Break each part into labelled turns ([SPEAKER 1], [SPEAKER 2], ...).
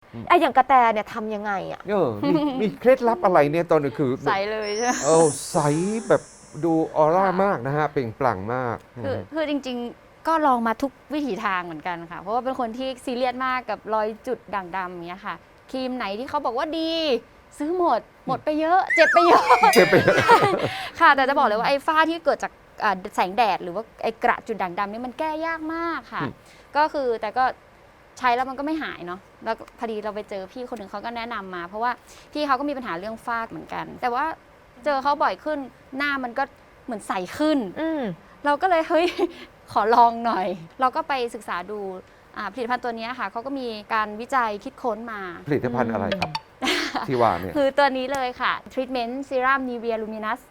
[SPEAKER 1] ไอ้อย่างกระแตเนี่ยทำยังไงอ่ะ
[SPEAKER 2] มีเคล็ดลับอะไรเนี่ยตอนนี้คือ
[SPEAKER 3] ใสเลยใช่ไหม
[SPEAKER 2] ใสแบบดูออร่ามากนะฮะเปล่งปลั่งมาก
[SPEAKER 3] คือจริงๆก็ลองมาทุกวิถีทางเหมือนกันค่ะเพราะว่าเป็นคนที่ซีเรียสมากกับรอยจุดด่างดำอย่างเงี้ยค่ะครีมไหนที่เขาบอกว่าดีซื้อหมดไปเยอะเจ็บไปเยอะค่ะแต่จะบอกเลยว่าไอ้ฝ้าที่เกิดจากแสงแดดหรือว่าไอ้กระจุดด่างดำนี่มันแก้ยากมากค่ะก็คือแต่ก็ใช้แล้วมันก็ไม่หายเนาะแล้วพอดีเราไปเจอพี่คนหนึ่งเขาก็แนะนำมาเพราะว่าพี่เขาก็มีปัญหาเรื่องฝ้าเหมือนกันแต่ว่าเจอเขาบ่อยขึ้นหน้ามันก็เหมือนใสขึ้นเราก็เลยเฮ้ยขอลองหน่อยเราก็ไปศึกษาดูผลิตภัณฑ์ตัวนี้ค่ะเขาก็มีการวิจัยคิดค้นมา
[SPEAKER 2] ผลิตภัณฑ์อะไรครับ ที่ว่าเนี่ย
[SPEAKER 3] คือตัวนี้เลยค่ะ Treatment Serum Nivea Luminous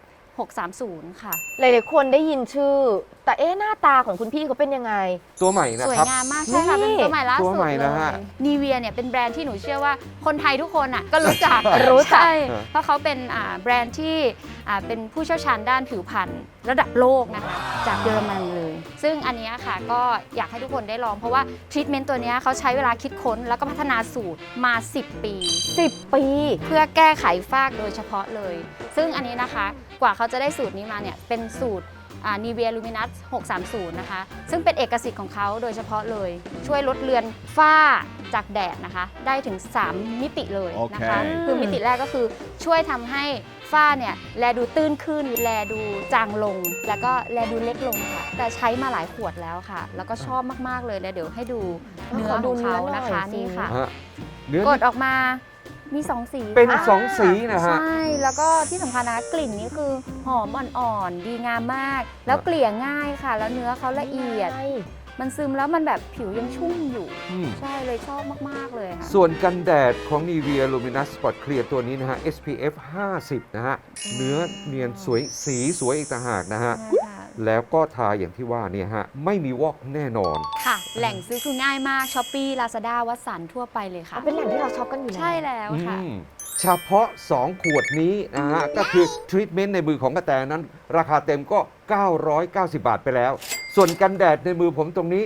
[SPEAKER 3] 630 ค่ะ
[SPEAKER 1] หลายๆคนได้ยินชื่อแต่หน้าตาของคุณพี่เขาเป็นยังไง
[SPEAKER 2] ตัวใหม่นะ
[SPEAKER 3] สวย
[SPEAKER 2] ครับ
[SPEAKER 3] งามมากใช่ค่ะเป็นตัวใหม่ล่าสุดเลย
[SPEAKER 2] นะฮะ
[SPEAKER 3] Nivea เนี่ยเป็นแบรนด์ที่หนูเชื่อว่าคนไทยทุกคนอ่ะก็รู้จักใช่เพราะเขาเป็นแบรนด์ที่เป็นผู้เชี่ยวชาญด้านผิวพรรณระดับโลกนะคะจากเยอรมันเลยซึ่งอันนี้ค่ะก็อยากให้ทุกคนได้ลองเพราะว่าทรีทเมนต์ตัวนี้เขาใช้เวลาคิดค้นแล้วก็พัฒนาสูตรมา10 ปีเพื่อแก้ไขฝ้าโดยเฉพาะเลยซึ่งอันนี้นะคะกว่าเขาจะได้สูตรนี้มาเนี่ยเป็นสูตรNivea Luminous 630 นะคะซึ่งเป็นเอกสิทธิ์ของเขาโดยเฉพาะเลยช่วยลดเลือนฝ้าจากแดดนะคะได้ถึง3 มิติเลยนะคะคือมิติแรกก็คือช่วยทำให้ฝ้าเนี่ยแลดูตื้นขึ้นแลดูจางลงแล้วก็แลดูเล็กลงค่ะแต่ใช้มาหลายขวดแล้วค่ะแล้วก็ชอบมากๆเลยเดี๋ยวให้ดูเนื้อของเขานะคะนี่ค่ะกดออกมามี2 สี
[SPEAKER 2] เป็น2 สีนะฮะ
[SPEAKER 3] ใช่แล้วก็ที่สำคัญนะกลิ่นนี้คือหอมอ่อนๆดีงามมากแล้วเกลี่ยง่ายค่ะแล้วเนื้อเขาละเอียดมันซึมแล้วมันแบบผิวยังชุ่มอยู่ใช่เลยชอบมากๆเลยค่ะ
[SPEAKER 2] ส่วนกันแดดของ Nivea Luminous Spot Clear ตัวนี้นะฮะ SPF 50 นะฮะเนื้อเนียนสวยสีสวยอีกต่างหากนะฮะแล้วก็ทาอย่างที่ว่าเนี่ยฮะไม่มีวอกแน่นอน
[SPEAKER 3] ค่ะแหล่งซื้อคือง่ายมาก Shopee Lazada วัดสันทั่วไปเลยค่ะ
[SPEAKER 1] เป็นแหล่งที่เราช็อปกันอยู่แล้ว
[SPEAKER 3] ใช่แล้วค่ะ
[SPEAKER 2] เฉพาะ2 ขวดนี้นะฮะก็คือทรีทเมนต์ในมือของกระแตนั้นราคาเต็มก็ 990 บาทไปแล้วส่วนกันแดดในมือผมตรงนี้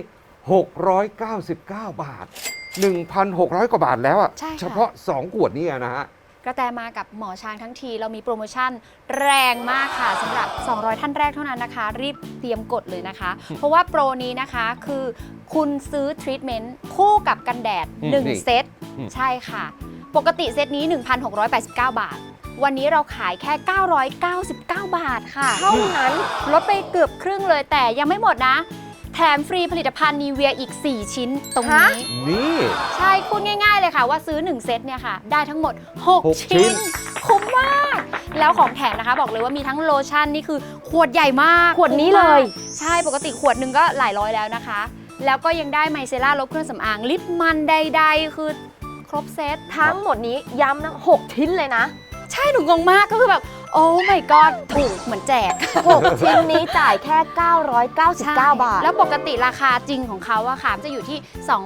[SPEAKER 2] 699 บาท 1,600 กว่าบาทแล้วอ่ะเฉพาะ2 ขวดนี้นะฮะ
[SPEAKER 3] กระแตมากับหมอช้างทั้งทีเรามีโปรโมชั่นแรงมากค่ะสำหรับ200ท่านแรกเท่านั้นนะคะรีบเตรียมกดเลยนะคะเพราะว่าโปรนี้นะคะคือคุณซื้อทรีทเมนต์คู่กับกันแดด1 เซตใช่ค่ะปกติเซตนี้ 1,689 บาทวันนี้เราขายแค่ 999 บาทค่ะ
[SPEAKER 1] เท่านั้น
[SPEAKER 3] ลดไปเกือบครึ่งเลยแต่ยังไม่หมดนะแถมฟรีผลิตภัณฑ์นีเวียอีก4 ชิ้นตรงนี้
[SPEAKER 2] นี่
[SPEAKER 3] ใช่พูดง่ายๆเลยค่ะว่าซื้อ1 เซตเนี่ยค่ะได้ทั้งหมด6 ชิ้นคุ้มมากแล้วของแถมนะคะบอกเลยว่ามีทั้งโลชั่นนี่คือขวดใหญ่มาก
[SPEAKER 1] ขวดนี้เลย
[SPEAKER 3] ใช่ปกติขวดหนึ่งก็หลายร้อยแล้วนะคะแล้วก็ยังได้ไมเซล่าลบเครื่องสำอางลิปมันใดๆคือครบเซต
[SPEAKER 1] ทั้งหมดนี้ย้ำนะ6 ชิ้นเลยนะ
[SPEAKER 3] ใช่หนูงงมากก็คือแบบโอ้ my god ถูกเหมือนแจก
[SPEAKER 1] 6 ชิ้นนี้จ่ายแค่ 999 บาท
[SPEAKER 3] แล้วปกติราคาจริงของเขาอะค่ะจะอยู่ที่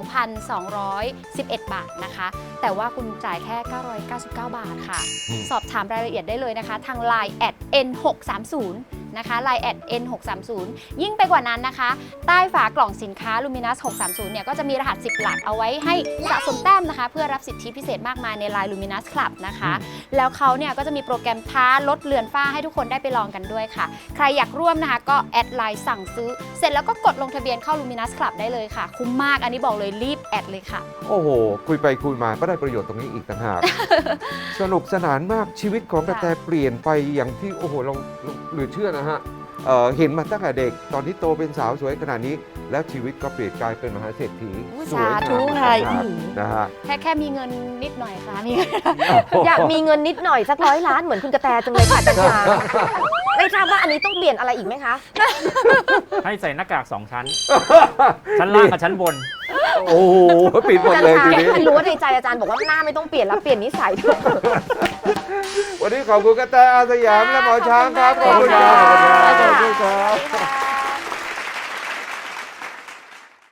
[SPEAKER 3] 2,211 บาทนะคะแต่ว่าคุณจ่ายแค่ 999 บาทค่ะสอบถามรายละเอียดได้เลยนะคะทาง Line @n630นะคะ Line @n630 ยิ่งไปกว่านั้นนะคะใต้ฝากล่องสินค้า Luminous 630เนี่ยก็จะมีรหัส10 หลักเอาไว้ให้สะสมแต้มนะคะเพื่อรับสิทธิพิเศษมากมายใน Line Luminous Club นะคะแล้วเขาเนี่ยก็จะมีโปรแกรมท้าลดเลือนฝ้าให้ทุกคนได้ไปลองกันด้วยค่ะใครอยากร่วมนะคะก็แอดไลน์สั่งซื้อเสร็จแล้วก็กดลงทะเบียนเข้า Luminous Club ได้เลยค่ะคุ้มมากอันนี้บอกเลยรีบแอดเลยค่ะ
[SPEAKER 2] โอ้โหคุยไปคุยมาก็ได้ประโยชน์ตรงนี้อีกต่างหาก สนุกสนานมากชีวิตของกระแตเปลี่ยนไปอย่างที่โอ้โหเราเหลือเชื่อนะฮะเห็นมาตั้งแต่เด็กตอนที่โตเป็นสาวสวยขนาดนี้แล้วชีวิตก็เปลี่ยนกลายเป็นมหาเศรษฐี
[SPEAKER 3] สวยงาม
[SPEAKER 2] นะฮะ
[SPEAKER 3] แค่มีเงินนิดหน่อยค่ะมี
[SPEAKER 1] อยากมีเงินนิดหน่อยสัก100 ล้านเหมือนคุณกระแตจังเลยค่ะจันทราไม่ทราบว่าอันนี้ต้องเปลี่ยนอะไรอีกไหมคะ
[SPEAKER 4] ให้ใส่หน้ากาก2 ชั้นชั้นล่างกับชั้นบน
[SPEAKER 2] โอ้โหปิดหมดเลยทีนี้
[SPEAKER 1] รู้ว่าในใจอาจารย์บอกว่าหน้าไม่ต้องเปลี่ยนแล้วเปลี่ยนนิสัยด้วย
[SPEAKER 2] วันนี้ขอบคุณกระแตอาสยามและหมอช้างครับขอบคุณครับ